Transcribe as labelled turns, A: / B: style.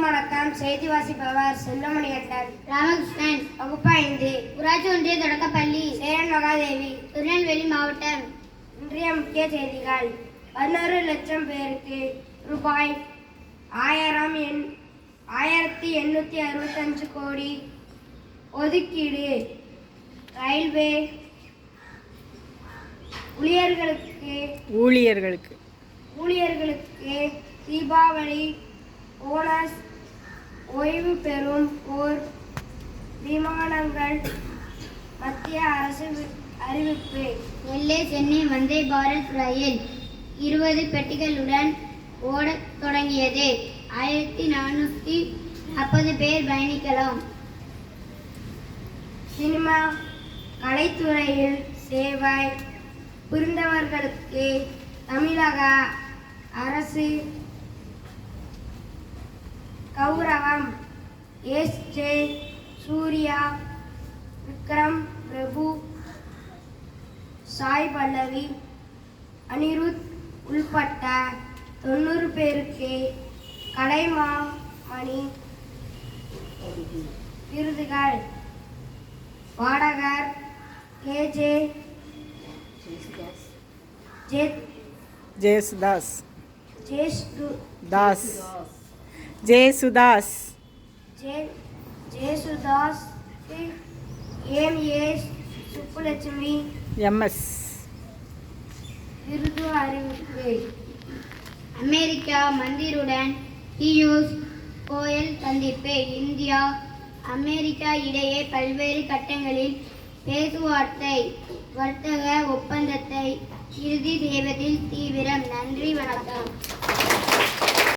A: வணக்கம். செய்தி வாசிப்பவர் செல்வமணி கண்டன்.
B: ராமகிருஷ்ணன்.
A: வகுப்பு 5.
B: ஊராட்சி ஒன்றிய தொடக்கப்பள்ளி,
A: சேரன் மகாதேவி,
B: திருநெல்வேலி மாவட்டம்.
A: இன்றைய முக்கிய செய்திகள். 11 லட்சம் பேருக்கு ரூபாய் 1865 கோடி ஒதுக்கீடு. ரயில்வே ஊழியர்களுக்கு தீபாவளி போனஸ். ஓய்வு பெறும் போர் விமானங்கள் மத்திய அரசு அறிவிப்பு.
B: நெல்லை சென்னை வந்தே பாரத் ரயில் 20 பெட்டிகளுடன் ஓடத் தொடங்கியது. 1440 பேர் பயணிக்கலாம்.
A: சினிமா கலைத்துறையில் சேவை புரிந்தவர்களுக்கு தமிழக அரசு கௌரவம். எஸ்.ஜே. சூர்யா, விக்ரம் பிரபு, சாய் பல்லவி, அனிருத் உள்பட்ட 90 பேருக்கு கலைமாமணி விருதுகள். பாடகர் K J. Yesudas, M A. Subbulakshmi
C: M S.
A: விருது அறிவிப்பு.
B: அமெரிக்கா மந்திருடன் பியூஷ் கோயல் சந்திப்பு. இந்தியா அமெரிக்கா இடையே பல்வேறு கட்டங்களில் பேச்சுவார்த்தை. வர்த்தக ஒப்பந்தத்தை இறுதி செய்வதில் தீவிரம். நன்றி, வணக்கம்.